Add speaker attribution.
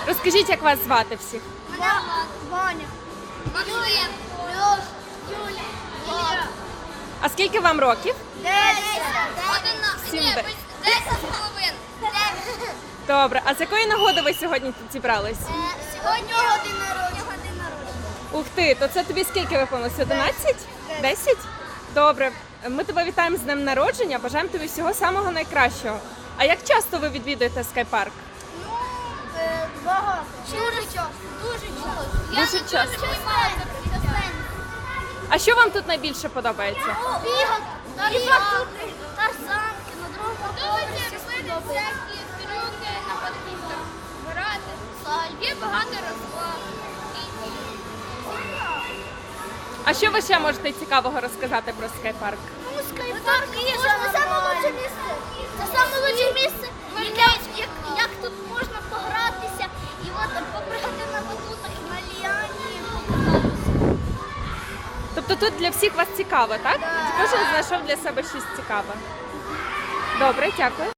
Speaker 1: Розкажіть, як вас звати всіх?
Speaker 2: Мене Ваня. Максим. Льош. Юля. Влад.
Speaker 1: А скільки вам років?
Speaker 2: 10.
Speaker 1: 10
Speaker 2: з половиною.
Speaker 1: Добре. А з якої нагоди ви сьогодні тут зібрались?
Speaker 2: Сьогодні година народження.
Speaker 1: Ух ти, то це тобі скільки виповнилося? 11? 10? Добре. Ми тебе вітаємо з днем народження, бажаємо тобі всього самого найкращого. А як часто ви відвідуєте скайпарк?
Speaker 2: Ну, багато. Дуже часто.
Speaker 1: Дуже часто. А що вам тут найбільше подобається?
Speaker 2: Бігати, тарзанки, на другому поверсі сподобається.
Speaker 3: трюки на подвір'ях, грати, є багато розваг.
Speaker 1: А що ви ще можете цікавого розказати про скайпарк?
Speaker 2: Ну, скайпарк є саме лучше місце. Це саме лучше місце, як тут можна погратися і от попригати на батутах, на ліані, покататися.
Speaker 1: Тобто тут для всіх вас цікаво, так? Кожен знайшов для себе щось цікаве. Добре, дякую.